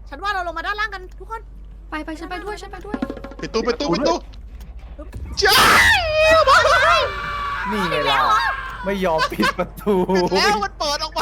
ฉันว่าเราลงมาด้านล่างกันทุกคนไปฉันไปด้วยปิดตู้จ้านี่ไงล่ะไม่ยอมปิดประตูปิดแล้วมันเปิดออกมา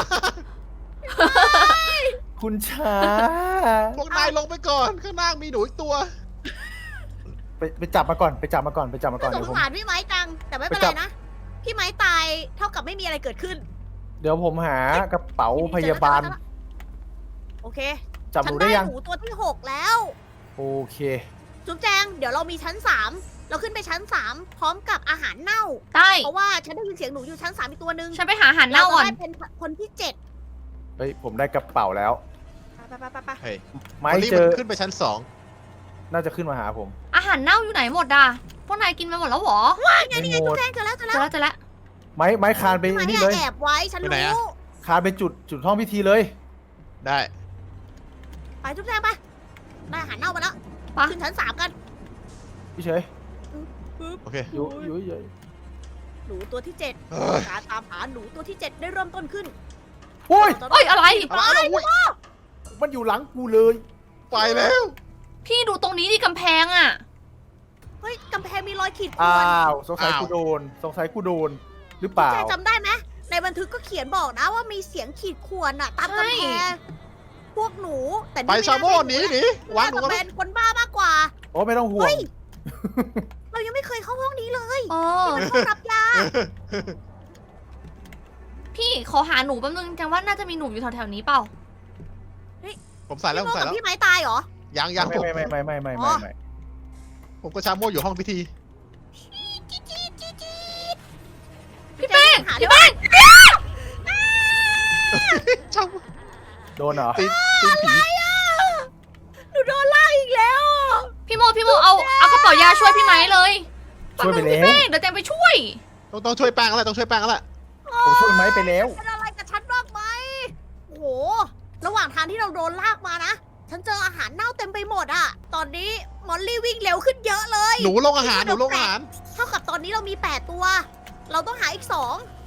คุณช้าพวกนายลงไปก่อนข้างล่างมีหนูอีกตัวไปจับมาก่อนไปจับมาก่อนสเดี๋ยวงผมสารพี่ไม้จัง แต่ไม่เป็นไปจัไรบนะ พี่ไม้ตายเท่ากับไม่มีอะไรเกิดขึ้นเดี๋ยวผมหากระเป๋าพยาบาลโอเคจับหฉันูนได้ได้ยังหนูตัวที่ 6 แล้วโอเคจุ๊บแจง เดี๋ยวเรามีชั้น 3 เราขึ้นไปชั้น 3 พร้อมกับอาหารเน่าได้เพราะว่าฉันได้ยินเสียงหนูอยู่ชั้น 3 อีกตัวหนึ่งฉันไปหาอาหารเน่าก่อนรจะได้เป็นคนที่ 7 เฮ้ยผมได้กระเป๋าแล้วไปเฮ้ยไม้วันนี้เจมันอขึ้นไปชั้นน่าจะขึ้นมาหาผมอาหารเน่าอยู่ไหนหมดอ่ะพวกนายกินไปหมดแล้วเหรอนี่ไงจุ๊บแจงเจอแล้วเจอแล้วไม้คานไปพี่ไม้นี่เนี่ยเลยแอบไว้ ฉันรู้คานไปจุดห้องพิธีเลย 2 ได้ไปจุ๊บแจงไป ได้อาหารเน่ามาแล้วไปขึ้นชั้น 3 กันพี่เฉยโอเคอยู่เฉยหนูตัวที่เฮ้ย 7 การตามหาหนูตัวที่ 7 ได้เริ่มต้นขึ้นโอ้ยเอ้ยอะไรอะไรอุ้ยมันอยู่หลังกูเลยไปแล้วพี่ดูตรงนี้ดิกำแพงอ่ะเฮ้ยกำแพงมีรอยขีดข่อ้าวนวสงสัยกูโดนหรือเปล่าแจจำได้ไหมในบันทึกก็เขียนบอกนะว่ามีเสียงขีดข่วนอะตามกำแพงพวกหนูแต่ไปชาโม่หนีวางหนูน่าจะกันเป็นคนบ้ามากกว่าโอ้ไม่ต้องห่วงเฮ้ย เรายังไม่เคยเข้าห้องนี้เลยเออมันห้องรับยาพี่ขอหาหนูแป๊บนึงจังว่าน่าจะมีหนูอยู่แถวๆนี้เปล่าผมใส่แล้วผพี่มโมใส่กับแล้วพี่ไม้ตายเหรอยังไม่ผมไม่ผมกับชาโม่อยู่ห้องพิธีพี่แป้งหาพี่เรื่องแป้งชาโม่โดนเหรอตีนผีหนูโดนลากอีกแล้วอะพี่โมเอากระเป๋ายาช่วยพี่ไม้เลยช่วยไปแป๊บนึงแล้วพี่แป้งเดี๋ยวแจงไปช่วยต้องช่วยแป้งแล้วต้องช่วยแป้งแล้วผมช่วยไม้ไปแล้วเป็นอะไรกับฉันบ้างไหมโอ้โห ระหว่างทางที่เราโดนลากมานะ ฉันเจออาหารเน่าเต็มไปหมดอะตอนนี้มอลลี่วิ่งเร็วขึ้นเยอะเลยหนูลงอาหารเท่ากับตอนนี้เรามี 8 ตัว เราต้องหาอีก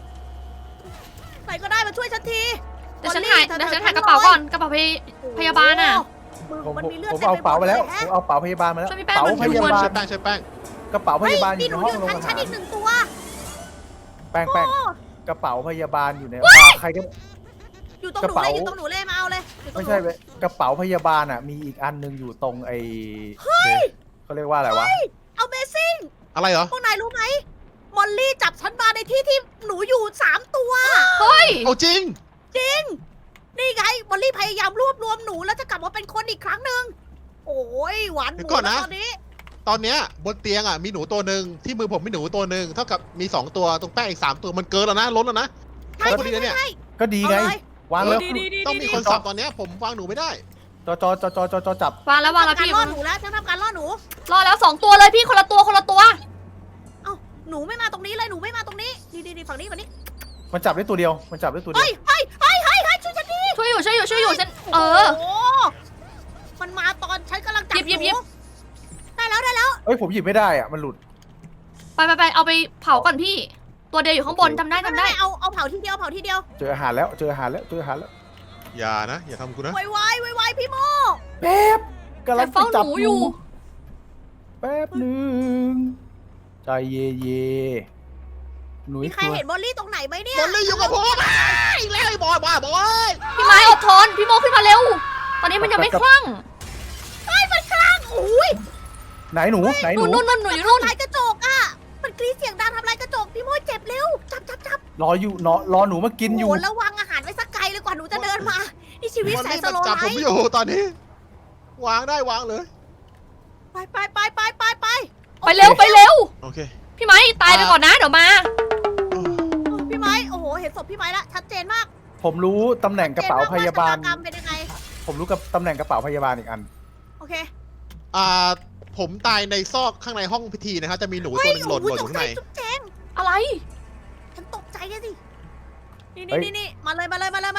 2 ใครก็ได้มาช่วยฉันทีเดี๋ยวฉันหากระเป๋าก่อนกระเป๋าพยาบาลอ่ะโอ้โหผมมันมีเลือดผมเต็มเอาไปหมเป๋าดไปเลแล้ยว แฮะผมเอาเป๋าพยาบาลมาแล้วช่วยพี่แป้งเป๋ามันพยาบาลช่วยแป้งช่วยแป้งกระเป๋าพเฮ้ยยาบาลอมียู่หในนูห้อองยู่โรงชั้นอาหารอีก 1 ตัวแป้งโอ้กระเป๋าพยาบาลอยู่ในใครก็อยู่ตรงกระหนูเป๋าเลยอยู่ตรงหนูเลยมาเอาเลยอยู่ตรงไม่หนูใช่เว้ยกระเป๋าพยาบาลอ่ะมีอีกอันหนึงอยู่ตรงไอ้เขาเรียกว่าอะไรวะเอาเบซิ่งอะไรเหรอพวกนายรู้ไหมมอลลี่จับฉันมาในที่ที่หนูอยู่ 3 ตัวเฮ้ยเอาจริงนี่ไงมอลลี่พยายามรวบรวมหนูแล้วจะกลับมาเป็นคนอีกครั้งหนึ่งโอ้ยหวานหเดี๋มูยวก่อนแล้นะวตอนนี้ตอนเนี้ยบนเตียงอ่ะมีหนูตัวหนึ่งที่มือผมมีหนูตัวหนึ่งเท่ากับมี2ตัวตรงแป้งอีก3ตัวมันเกินแล้วนะล้นแล้วนะใช่พอดีใช่เลยเนี่ยใช่ก็ดีเอาไงเลยวางแล้วต้องมีคนสับตอนเนี้ยผมวางหนูไม่ได้จอจับวางแล้วทำการพี่ล่อหนูแล้วฉันทำการล่อหนูรอแล้ว2ตัวเลยพี่คนละตัวเอ้าหนูไม่มาตรงนี้เลยหนูไม่มาตรงนี้นี่ฝั่งนี้ฝั่งนี้มันจับได้ตัวเดียวมันจับได้ตัวเดีเฮ้ยยว เฮ้ยเฮ้ยเฮ้ยเฮ้ยช่วยฉันทีช่วยอยู่ฉันโอ้โหมันมาตอนฉันกำลังจับหยิบหนูได้แล้วเอ้ยผมหยิบไม่ได้อ่ะมันหลุดไปเอาไปเผาก่อนพี่ ตัวเดียวอยู่ข้างบนจำได้ไม่เอาเผาทีเดียวเจออาหารแล้วเจออาหารแล้วอย่านะอย่าทำกูนะไวพี่โมแป๊บกำลัแต่งเฝ้าจะหจับนูอยู่แป๊บหนึงใจเย่หนูมีอีกใครตัวเห็นมอลลี่ตรงไหนไหมเนี่ยบอลลี่อยู่กับผมอีกแล้วไอ้บอยบ้าบอยพี่ไม้อดทนพี่โมขึ้นมาเร็ว ตอนนี้มันยังไม่คลั่งมันคลั่งอุ้ยไหนหนูนู่นหนูอยู่นู่นทำลายกระจกอ่ะมันกรีดเสียงดังทำลายกระจกพี่โมเจ็บเร็วจับรออยู่รอหนูมากินอยู่โอ้แล้ววางอาหารไว้สักไกลเลยกว่าหนูจะเดินมานี่ชีวิตบอลแสนลี่สมันโลจับไลผมฟ์อยู่ตอนนี้ วางได้วางเลยไปไปเร็วโอเคพี่ไม้ตายไปก่อนนะเดี๋ยวมาพี่ไม้โอ้โหเห็นศพพี่ไม้ละชัดเจนมากผมรู้ตำแหน่งกระเป๋าพยาบาลชะตกรรมเป็นยังไงผมรู้กับตำแหน่งกระเป๋าพยาบาลอีกอันโอเคผมตายในซอกข้างในห้องพิธีนะครับจะมีหนูตัวหนึงหล่นอยู่ข้างในจุ๊บแจงอะไรฉันตกใจอะสิเฮ้ยนี่มาเลย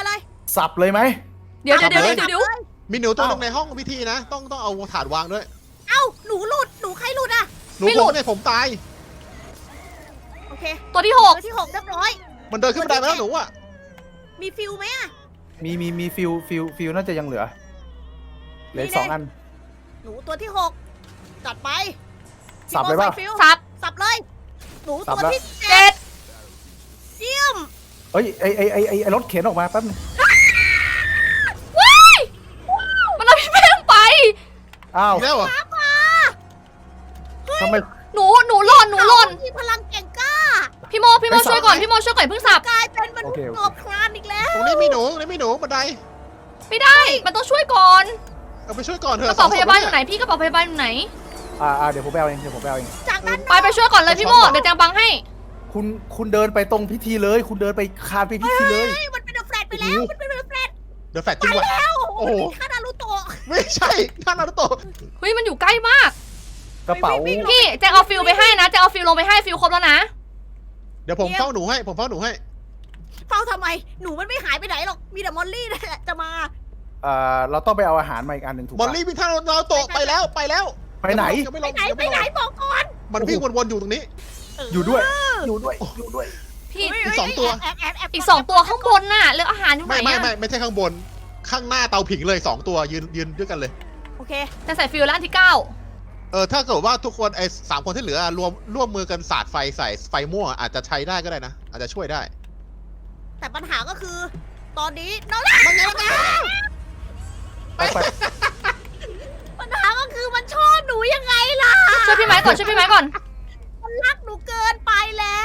สับเลยไหมเดี๋ยวมีหนูตัวหนึงในห้องพิธีนะ ต้องเอาถาดวางด้วยเอ้าหนูหลุดหนูใครหลุดอ่ะหนูผมเนี่ยผมตายโอเคตัวที่ตัวที่ 6เรียบร้อยมันเดินขึ้นบันไดมาแล้วหนูอ่ะมีฟิลไหมอ่ะมีฟิลน่าจะยังเหลือเหลืออก2 อันหนูตัวที่6จัดไปสับเลยป่ะพี่โมสับสับเลย หนูสับตัวแล้วที่เจ็ดเยี่ยมเอ้ยไอ้รถเข็นออกมาแป๊บนึงว้ายมันเอาพี่แป้งไปอ้าวอีกแล้วเหรอตามมาทำไมหนูหล่นเขามีพลังแก่งกล้าพี่โมช่วยก่อนพี่โมช่วยก่อนเพิ่งสับกลายเป็นมนุษโอเคย์โอเคกบคลานอีกแล้วตรงนี้มีหนูบันไดไม่ได้ มันต้องช่วยก่อนเอาไปช่วยก่อนเถกอะระเป๋าพยาบาลอสงศพยู่ไหนพี่กระเป๋าพยาบาลอยู่ไหนเดี๋ยวผมไปเอาเองเดี๋ยวผมไปเอาเองจากด้านนไปอกไปช่วยก่อนเลยพี่โมเดี๋ยวแจงบังให้คุณเดินไปตรงพิธีเลย คุณเดินไปคานไปพิธีเลยเฮ้ยมันเป็นเดอะแฟลตไปแล้ว มันเป็นเดอะแฟลตเดี๋ยวแฟลชจไปริงว่ะแล้วโอ้โหคานารุโตะไม่ใช่ท่านนารุโตะเฮ้ยมันอยู่ใกล้มากกระเป๋าวิ่งพี่แจงเอาฟิลไปให้นะแจงเอาฟิลลงไปให้ฟิลครบแล้วนะเดี๋ยวผมเฝ้าหนูให้เฝ้าทำไม หนูมันไม่หายไปไหนหรอก มีแต่มอลลี่นั่นแหละจะมาเราต้องไปเอาอาหารมาอีกอันหนึ่งถูกมอลปะลี่วิ่งท่านนารุโตะไปแล้วไปไหนยังไม่ไปลงไหนยังไปไม่ลไหนงบอกก่อนมันวิ่งวนๆอยู่ตรงนี้อยู่ด้วย อยู่ด้วยพี่เฮ้ยอีกสองตัวแอบแอบแอบอีก2 ตัวข้างบนน่ะแล้วอาหารอยู่ไหนไม่อะไม่ใช่ข้างบน ข้างหน้าเตาผิงเลย2 ตัวยืนด้วยกันเลยโอเคจะใส่ฟิลแล้วอันที่ถ้าเกิดว่าทุกคนไอ้3 คนที่เหลือร่วมมือกันสาดไฟใส่ไฟม่วงอาจจะใช้ได้ก็ได้นะ อาจจะช่วยได้แต่ปัญหาก็คือ ตอนนี้น้องมันไงไปปัญหาก็คือมันชอบหนูยังไงล่ะ 9ช่วยพี่ไม้ก่อนช่วยพี่ไม้ก่อนมันรักหนูเกินไปแล้ว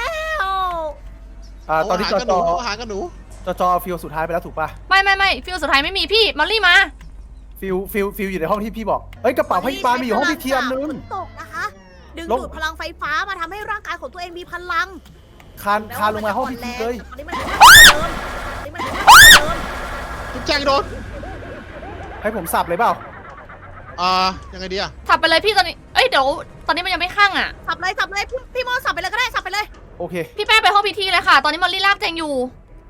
ตอนนี้อาหารกับหนูเอาอาหารกับหนูจอฟิลสุดท้ายไปแล้วถูกปะไม่ฟิลสุดท้ายไม่มีพี่มอลลี่มาฟิลอยู่ในห้องที่พี่บอกเอ้ยกระเป๋าพยาบาลมีอยู่ห้องพิธีอันนึงฝนตกนะคะ ดึงลงดูดพลังไฟฟ้ามาทำให้ร่างกายของตัวเองมีพลังคานลงมาห้องพิธีเลยตอนนี้มันเดิมตอนนี้มันเดิมจุ๊บแจงโดนให้ผมสับเลยเปล่ายังไงดีอะสับไปเลยพี่ตอนนี้เอ้ยเดี๋ยวตอนนี้มันยังไม่ข้างอ่ะสับเลยพี่โมสับไปเลยก็ได้สับไปเลยโอเคพี่แป้งไปห้องพิธีเลยค่ะ ตอนนี้มอลลี่ลากแจงอยู่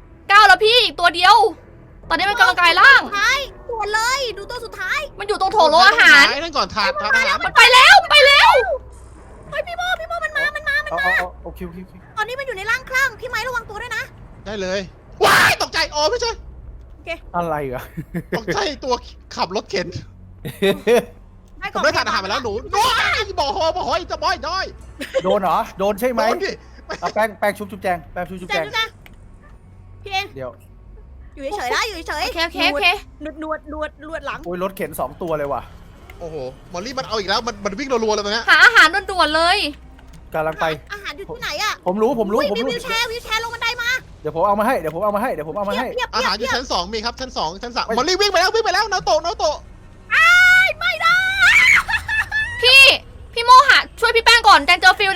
9แล้วพี่อีกตัวเดียว ตอนนี้มันกำลังกายร่างสุดท้ายตัวเลยดูตัวสุดท้ายมันอยู่ตรงโถโลอาหารนั่นก่อนถาดอาหารมันไปแล้วมันไปแล้วเฮ้ยพี่โมมันมาเอาโอเคตอนนี้มันอยู่ในร่างคลั่งพี่ไม้ระวังตัวด้วยนะได้เลย ว้ายตกใจอ๋อไม่ใช่อะไรอะตกใจตัวขับรถเข็นให้ผมได้ทานอาหารมาแล้วหนูน้อยบอกหอยจะบอยด้อยโดนเหรอ โดนใช่ไหมโดนดิเอาแป้งชุบแจงแป้งชุบแจแจงงนะพี่เองเดี๋ยวอยู่เฉยๆนะอยู่เฉยโอเคๆนวดหลังโอ้ยรถเข็น2 ตัวเลยว่ะโอ้โหมอลลี่มันเอาอีกแล้วมันวิ่งรัวๆเลยตอนเนี้ยหาอาหารด่วนๆเลยกำลังไปอาหารอยู่ที่ไหนอะผมรู้อุ๊ยมีวิวแชร์ลงบันไดมาเดี๋ยวผมเอามาให้ เดี๋ยวผมเอามาให้เพียบอาหารอยู่ชั้น 2มีครับชั้น 2ชั้น 3มอลลี่วิ่งไปแล้วนาโตะไม่ได้พี่โมหาช่วยพี่แป้งก่อนแจงเจอฟิล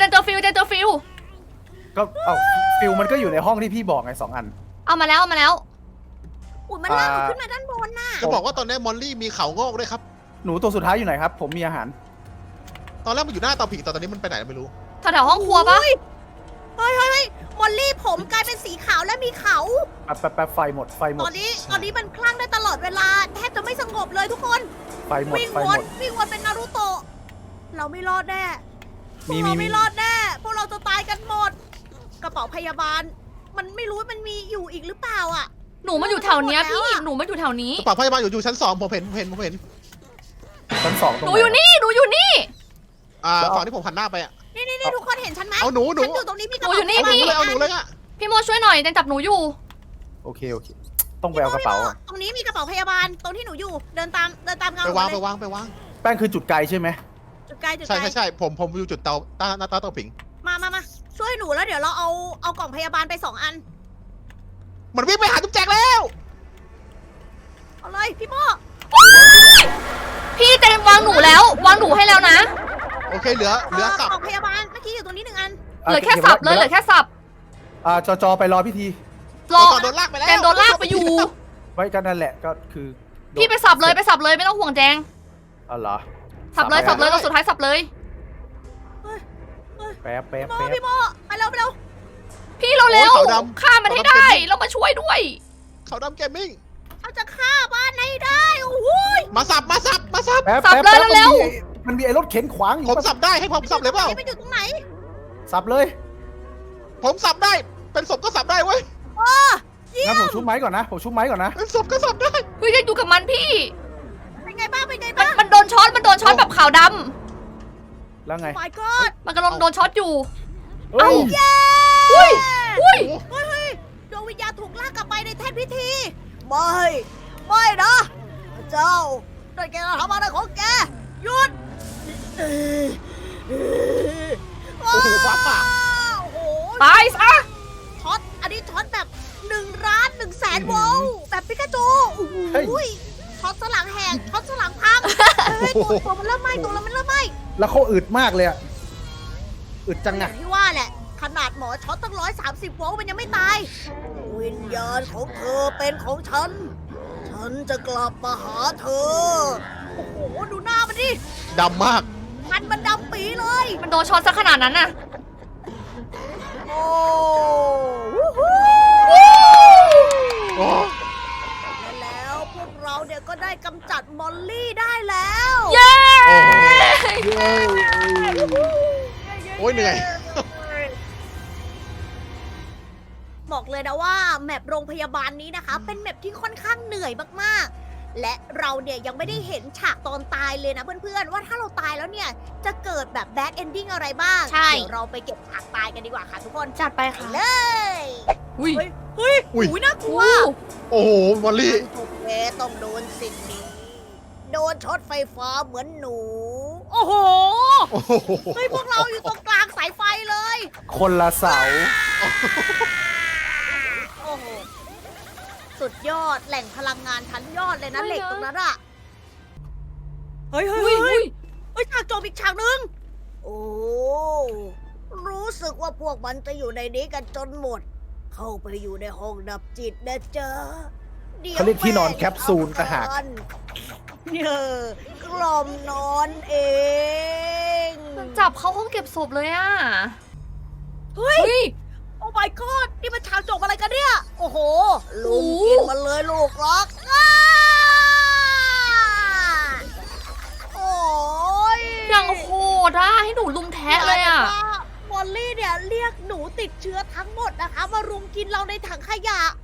ก็เอาฟิลมันก็อยู่ในห้องที่พี่บอกไง2 อันเอามาแล้วอุ่นมันลากหนูขึ้นมาด้านบนน่ะจะบอกว่าตอนนี้มอลลี่มีเขางอกด้วยครับหนูตัวสุดท้ายอยู่ไหนครับ ผมมีอาหารตอนแรกมันอยู่หน้าเตาผิงแต่ตอนนี้มันไปไหนไม่รู้แถวๆห้องครัวปะเฮ้ยมอลลี่ผมกลายเป็นสีขาวและมีเขาแป๊บไฟหมดตอนนี้มันคลั่งได้ตลอดเวลาแทบจะไม่สงบเลยทุกคนไฟหมดวิ่งวนเป็นนารูโตะเราไม่รอดแน่พวกเราไม่รอดแน่พวกเราจะตายกันหมด กระเป๋าพยาบาล มันไม่รู้มันมีอยู่อีกหรือเปล่าอ่ะหนูมันอยู่แถวเนี้ยพี่หนูมันอยู่แถวนี้กระเป๋าพยาบาลอยู่ชั้น 2ผมเห็นชั้น 2 ตรงหไหนูอยู่นี่ฝั่งที่ผมหันหน้าไปอ่ะนี่ทุกคนเห็นฉันไหมเอาหนูฉันอยู่ตรงนี้มีกระหนูเป๋าอยู่นี่เอาหนูเลยอ่ะพี่โมช่วยหน่อยแจงจับหนูอยู่โอเค ต้องไปเอากระเป๋าอะตรงนี้มีกระเป๋าพยาบาลตรงที่หนูอยู่เดินตามเงาไปวางเลยแป้งคือจุดไกลใช่ไหมจุดไกลใช่ผมอยู่จุดหน้าเตาผิงมาช่วยหนูแล้วเดี๋ยวเราเอากล่องพยาบาลไป2 อันมันวิ่งไปหาจุ๊บแจงแล้วเอาเลยพี่โมพี่แจงวางหนูแล้ววางหนูให้แล้วนะโอเคเหลือสับกล่องพยาบาลเมื่อกี้อยู่ตรงนี้1 อันเหลือแค่สับเลยเหลือแค่สับจอไปรอพิธีรอโดนลากไปแล้วแจงโดนลากไปอยู่ไว้กันนั่นแหละก็คือพี่ไปสับเลยไม่ต้องห่วงแจงอ๋อเหรอสับเลยตัวสุดท้ายสับเลยแป๊บพี่โมไปเร็วพี่เร็วๆฆ่ามันให้ได้แล้วมาช่วยด้วยเขาดำเกมมิ่งเขาจะฆ่าบ้านให้ได้โอ้โหมาสับแป๊บ มันมีไอ้รถเข็นขวางอยู่ผมสับได้ให้ผมสับเลยเปล่านี่มันอยู่ตรงไหนสับเลยผมสับได้เป็นศพก็สับได้เว้ยงั้นผมชุบไม้ก่อนนะเป็นศพก็สับได้เฮ้ยยังอยู่กับมันพี่เป็นไงบ้างมันโดนช็อตแบบขาวดแล้วไง my god ำมันกำลังโดนช็อตอยู่เอ้าเย้อุ้ยเฮ้ยดวงวิญญาณถูกลากกลับไปในแท่นพิธี ไม่นะพระเจ้านั่นแกทำอะไรของแก หยุดโอ้โหฟ้าผ่าโอ้โหตายซะช็อต อันนี้ช็อตแบบ1,100,000 โวลต์แบบปิกาจูโอ้โหเฮ้ยช็อตสลังแหกช็อตสลังพังเฮ้ยตัวมันเริ่มไหม้ตัวมันเริ่มไหม้แล้วเขาอึดมากเลยอะอึดจังออะย่างที่ว่าแหละ ขนาดหมอช็อตตั้ง130 โวลต์มันยังไม่ตาย วิญญาณของเธอเป็นของฉัน ฉันจะกลับมาหาเธอ โอ้โห ดูหน้ามันดิดำมากมันดำปีเลยมันโดนช็อตซะขนาดนั้นน่ะโอ้วู้ฮู้โอ้และแล้วพวกเราเนี่ยก็ได้กำจัดมอลลี่ได้แล้วเย้โอ้โหเย้โอ้ยเหนื่อยบอกเลยนะว่าแมปโรงพยาบาลนี้นะคะ เป็นแมปที่ค่อนข้างเหนื่อยมากๆ และเราเนี่ยยังไม่ได้เห็นฉากตอนตายเลยนะเพื่อนๆ ว่าถ้าเราตายแล้วเนี่ยจะเกิดแบบแบดเอนดิ้งอะไรบ้างใช่เดี๋ยวเราไปเก็บฉากตายกันดีกว่าค่ะทุกคนจัดไปไปค่ะเลยอุ้ยเฮ้ยอุ้ยอุ๊ยน่ากลัวโอ้โหมอลลี่ทุกแกต้องโดนสิ่งนี้ โดนช็อตไฟฟ้าเหมือนหนู โอ้โหโอ้โหเฮ้ยพวกเราอยู่ตรงกลางสายไฟเลยคนละเสาโอ้โห สุดยอดแหล่งพลังงานชั้นยอดเลยนะไม่เหล็กนะตรงนั้นอะเฮ้ยอุ้ยอุ้ยฉากโจมอีกฉากหนึง โอ้ รู้สึกว่าพวกมันจะอยู่ในนี้กันจนหมด เข้าไปอยู่ในห้องดับจิตนะจ๊ะดี๋วเขาเรียกที่นอนแคปซูลต่างหากกล่อมนอนเองมันจับเข้าห้องเก็บศพเลยอ่ะเฮ้ยเฮ้ยโอ้ my god นี่มันฉากจบอะไรกันเนี่ย โอ้โห ลุงโอ้กินมันเลยลูกรักอ้าโอ้ยอย่างโหดอ่ะให้หนูลุมแทะเลยอ่ะมอลลี่เนี่ยเรียกหนูติดเชื้อทั้งหมดนะคะ มารุมกินเราในถังขยะ